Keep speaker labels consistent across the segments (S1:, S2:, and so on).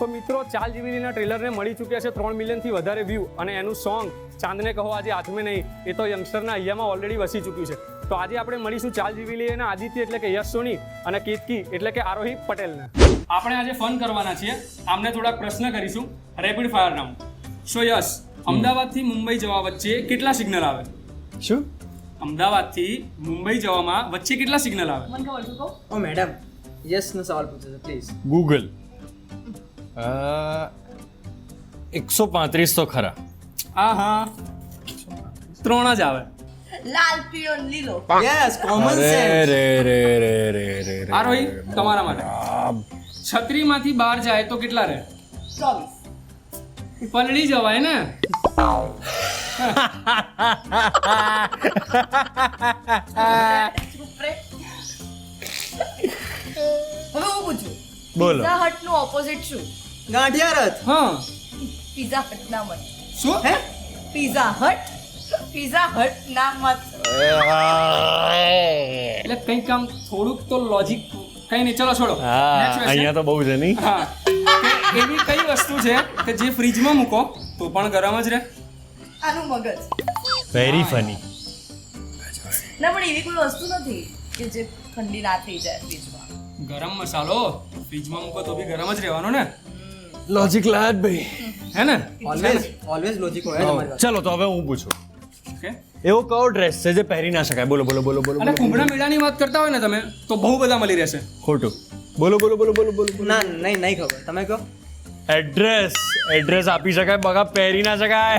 S1: તો મિત્રો ચાલ જીવીલીના ટ્રેલરને મળી ચૂક્યા છે 3 મિલિયનથી વધારે વ્યૂ અને એનું સોંગ ચાંદને કહો આજે હાથમે નહીં એ તો યંગસ્ટરના અહીંયામાં ઓલરેડી વસી ચૂક્યું છે. તો આજે આપણે મળીશું ચાલ જીવીલી અને આદિત્ય એટલે કે યશ સોની અને કીર્તિ એટલે કે આરોહી પટેલને. આપણે આજે ફન કરવાના છીએ. આમને થોડાક પ્રશ્ન કરીશું rapid fire round. So Yash, અમદાવાદથી મુંબઈ જવા વચ્ચે કેટલા સિગ્નલ આવે?
S2: શું?
S1: અમદાવાદથી મુંબઈ જવામાં વચ્ચે કેટલા સિગ્નલ આવે?
S3: મને ખબર છે કહો.
S2: ઓ મેડમ, યસ નો સવાલ પૂછો છો પ્લીઝ.
S4: ગૂગલ 135 તો ખરા.
S1: હા 3 જ આવે.
S3: લાલ પીળો ને લીલો.
S2: યસ, કોમન
S4: અરે
S2: સેન્સ.
S4: રે રે રે રે રે રે.
S1: આરોહી તમારા માટે છત્રીમાંથી બહાર જાય તો કેટલા રહે?
S3: 24.
S1: પલળી જવાય ને.
S3: ચૂપ રે. હવે હું પૂછું.
S4: બોલો.
S3: પિઝા હટ નું ઓપોઝિટ શું?
S2: ગાંઠિયા રથ.
S1: હા
S3: પિઝા હટ ના મત.
S1: શું?
S2: હે?
S3: પિઝા હટ ના મત.
S1: એટલે કંઈક આમ થોડુંક તો લોજિક કઈ નહીં. ચલો છોડો.
S4: હા
S1: Next question.
S4: અહીંયા તો બહુ છે નહીં.
S1: હા કે એવી કઈ વસ્તુ છે કે જે ફ્રીજમાં મૂકો તો પણ ગરમ જ રહે?
S3: આનું મગજ.
S4: Very funny.
S3: ના પણ એવી કોઈ વસ્તુ નથી કે જે ઠંડી ના થઈ જાય ફ્રીજમાં.
S1: ગરમ મસાલો ફ્રીજમાં મૂકો તો બી ગરમ જ રહેવાનો ને,
S4: લોજિક લાદ ભાઈ.
S1: હે ને?
S2: ઓલવેઝ લોજિક હોય તમારી પાસે.
S4: ચલો તો હવે હું પૂછું.
S1: ઓકે.
S4: એવો કયો ડ્રેસ છે જે પહેરી ના શકાય? બોલો બોલો બોલો બોલો
S1: અને
S4: બોલો.
S1: કુંભળા મેળાની વાત કરતા હોય ને તમે તો બહુ બધા મળી રહેશે.
S4: ખોટું. બોલો બોલો બોલો બોલો બોલો બોલો.
S2: ના નહીં ખબર, તમે કહો.
S4: એડ્રેસ આપી શકાય, બગા પહેરી ના શકાય.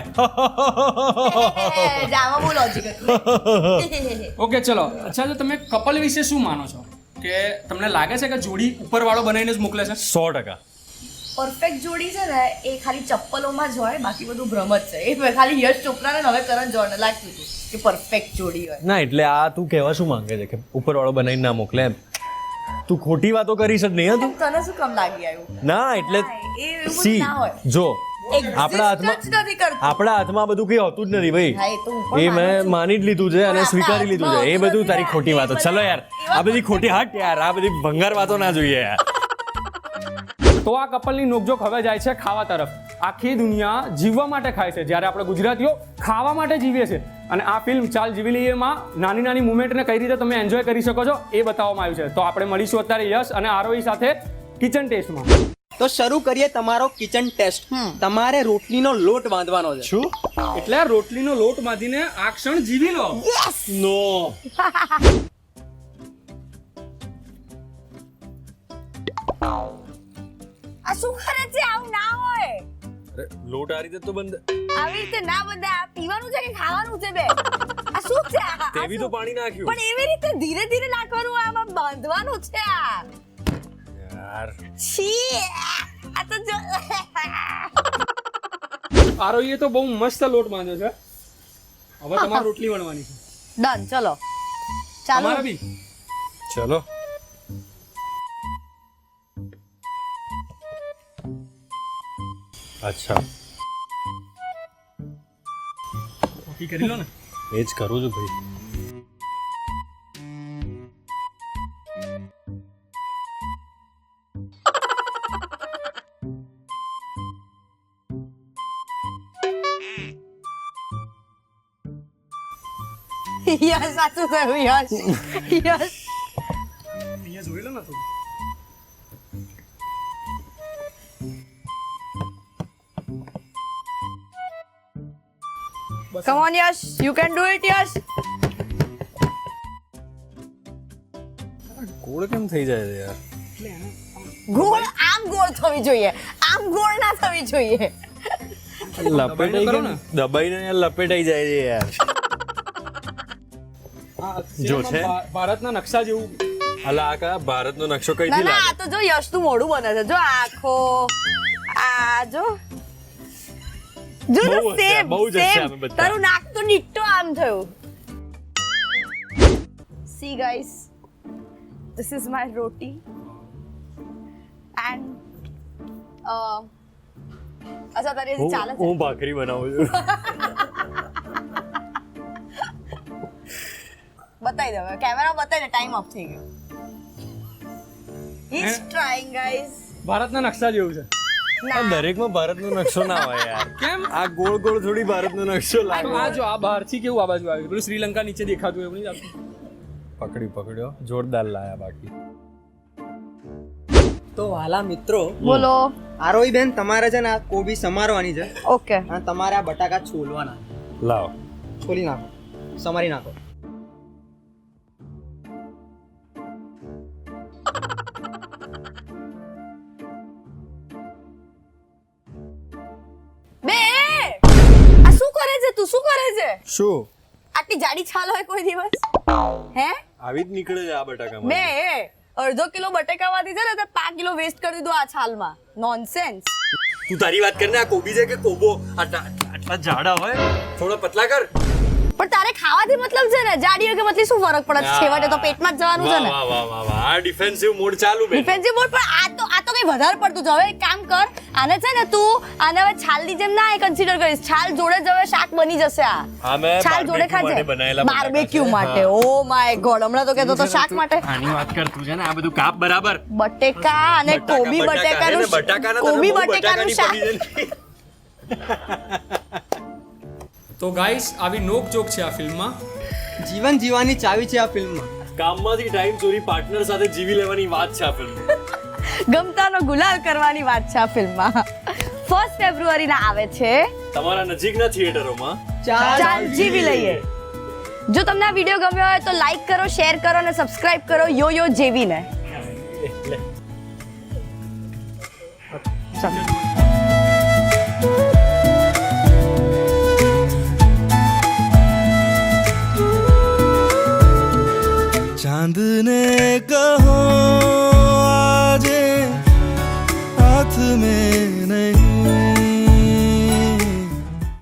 S3: જામાં બહુ લોજિક હતું.
S1: ઓકે ચલો. અચ્છા, તો તમે કપલ વિશે શું માનો છો? કે તમને લાગે છે કે જોડી ઉપરવાળો બનાવીને જ મોકલે છે?
S4: 100%.
S3: પરફેક્ટ જોડી છે ને એ ખાલી ચપ્પલોમાં જ હોય, બાકી બધું ભ્રમ જ છે. એ ખાલી યશ ચોપરાને ને હવે કરણ જોહરને લાગતું હતું કે પરફેક્ટ જોડી હોય.
S4: ના એટલે આ તું કહેવા શું માંગે છે કે ઉપરવાળો બનાવીને ના મોકલે એમ? તું ખોટી વાતો કરીશ જ નહીં હા તું?
S3: તને શું કામ લાગી આવ્યું?
S4: ના એટલે
S3: એ એવું
S4: સી
S3: ના હોય.
S4: જો
S3: Exist
S4: આપણા હાથમાં
S3: જ નથી કરતું.
S4: આપણા હાથમાં બધું કઈ હોતું જ નથી ભાઈ.
S3: હા, એ તો હું પણ
S4: એ
S3: માનું
S4: મેં
S3: છું.
S4: માની જ લીધું છે અને
S3: પણ
S4: સ્વીકારી લીધું છે. એ
S3: આપણા
S4: બધું તારી
S3: હાથમાં
S4: ખોટી વાતો.
S3: એ
S4: ચલો
S3: બધા
S4: યાર,
S3: એવા
S4: આ બધી ખોટી હટ યાર, આ બધી ભંગાર વાતો ના જોઈએ યાર.
S1: તો આ કપલની નોકઝોક હવે જાય છે ખાવા તરફ. આખી દુનિયા જીવવા માટે ખાય છે, જ્યારે આપણે ગુજરાતીઓ ખાવા માટે જીવીએ છીએ. અને આ ફિલ્મ ચાલ જીવીલીએમાં નાની નાની મુમેન્ટને કઈ રીતે તમે એન્જોય કરી શકો છો એ બતાવવામાં આવ્યું છે. તો આપણે મળીશું અત્યારે યશ અને આરોહી સાથે કિચન ટેસ્ટમાં.
S2: તો શરૂ કરીએ તમારો કિચન ટેસ્ટ. તમારે રોટલીનો લોટ બાંધવાનો છે.
S4: શું?
S1: એટલે રોટલીનો લોટ બાંધીને આ ક્ષણ જીવી લો.
S4: નો.
S3: આ શું કરે છે? આવું ના હોય.
S4: અરે લોટ આ રીતે તો બંધ.
S3: આવી રીતે ના બધા. આ પીવાનું છે કે ખાવાનું છે બે? આ શું છે આ?
S4: તેવી તો પાણી નાખ્યું.
S3: પણ એવી રીતે ધીરે ધીરે નાખવાનું, આમાં બાંધવાનું છે આ.
S4: યાર
S3: છી, આ તો જો.
S1: આરોહીએ તો બહુ મસ્ત લોટ બાંધ્યો છે. હવે તમારે રોટલી વણવાની છે.
S3: ડન, ચલો ચાલો.
S1: તમારે બી.
S4: ચલો. અચ્છા
S1: નક્કી કરી લો ને.
S4: એ જ કરું છું ભાઈ.
S3: યસ, સાચું કહ્યું યસ. યસ.
S1: અહીંયા જોઈ લો ને થોડું.
S3: Come on Yash, you can do it યશ.
S4: ગોળ કેમ થઈ જાય છે યાર?
S3: ગોળ આમ ગોળ થવી જોઈએ, આમ ગોળ ના થવી જોઈએ.
S4: લપેટાઈ
S1: કરો
S4: કેમ?
S1: ને.
S4: દબાઈને યાર લપેટાઈ જાય છે યાર. જો છે.
S1: ભારતના નકશા જેવું.
S4: અલા આ કા ભારતનો નકશો
S3: ના
S4: કઈથી
S3: ના,
S4: લાગે?
S3: આ તો જો યશ નું મોઢું બને છે. જો આખો આ જો જો
S4: બહુ હશે,
S3: સેમ
S4: બહુ જ હશે
S3: સેમ.
S4: અમે બધા.
S3: તારું નાક તો ડિટ્ટો આમ થયું. See guys, this is my roti and અચ્છા તારે હજી ચાલે છે?
S4: હું ભાખરી બનાવું છું.
S3: બતાવી દે હવે, કેમેરા બતાવી દે, ટાઈમ ઓફ થઈ ગયો. He's trying guys.
S1: ભારતના નકશા જેવું છે.
S4: આ દરેકમાં ભારતનો નકશો ના હોય યાર.
S1: કેમ
S4: આ ગોળ ગોળ થોડી ભારતનો નકશો લાગે.
S1: આ જો આ બહારથી કેવું આ બાજુ આવ્યું પેલું શ્રીલંકા નીચે દેખાતું એવું નહીં લાગતું?
S4: પકડ્યો જોરદાર લાયા બાકી.
S2: તો વાલા મિત્રો,
S3: બોલો.
S2: આરોહી બેન, તમારે છે ને આ કોબી સમારવાની છે
S3: ઓકે.
S2: અને તમારે આ બટાકા છોલવાના.
S4: લાવ.
S2: છોલી નાખો, સમારી નાખો.
S3: બે આ શું કરે છે તું? શું કરે છે?
S4: શું
S3: આટલી જાડી છાલ હોય કોઈ દિવસ? હે
S4: આવી જ નીકળે છે આ બટાકામાં.
S3: બે અડધો કિલો બટેકામાંથી છે ને તે 5 કિલો વેસ્ટ કરી દીધું આ છાલમાં. નોનસેન્સ.
S4: તું તારી વાત કરને, આ કોબી છે કે કોબો? આટલા જાડા હોય, થોડા પતલા કર.
S3: પણ તારે ખાવાથી મતલબ છે ને, જાડી હોય કે પતલી શું ફરક પડે? છેવટે તો પેટમાં જ જવાનું છે ને.
S4: વાહ વાહ વાહ વાહ, આ ડિફેન્સિવ મોડ ચાલુ બે.
S3: Defensive mode. પણ આ તો કઈ વધારે પડતું છે. હવે એક કામ કર, આને છે ને તું આને હવે છાલની જેમ ના કન્સિડર કરીશ. છાલ જોડે જ હવે શાક બની જશે આ.
S4: હા, મેં
S3: છાલ જોડે
S4: barbecue માટે
S3: ખાજે.
S4: બનાયેલા બટાકા
S3: બાર્બેક્યુ
S4: છે.
S3: માટે. ઓ માય ગોડ, હમણાં તો કહેતો તો શાક માટે.
S4: આની વાત કર તું છે ને, આ બધું કાપ બરાબર.
S3: બટેકા અને કોબી બટેકાનું કોબી બટેકાનું શાક.
S1: તો ગાઈસ આવી નોક જોક છે આ ફિલ્મમાં.
S2: જીવન જીવવાની ચાવી છે આ ફિલ્મમાં.
S4: કામમાંથી ટાઈમ ચોરી પાર્ટનર સાથે જીવી લેવાની વાત છે આ ફિલ્મ.
S3: ગમતાનો ગુલાલ કરવાની વાત છે આ ફિલ્મમાં. 1 ફેબ્રુઆરીના આવે છે.
S4: તમારા નજીકના થિયેટરોમાં
S3: ચાલ જીવી લઈએ. જો તમને આ વિડીયો ગમ્યો હોય તો લાઈક કરો, શેર કરો અને સબસ્ક્રાઇબ કરો યો જેવીને.
S5: चांद ने कहा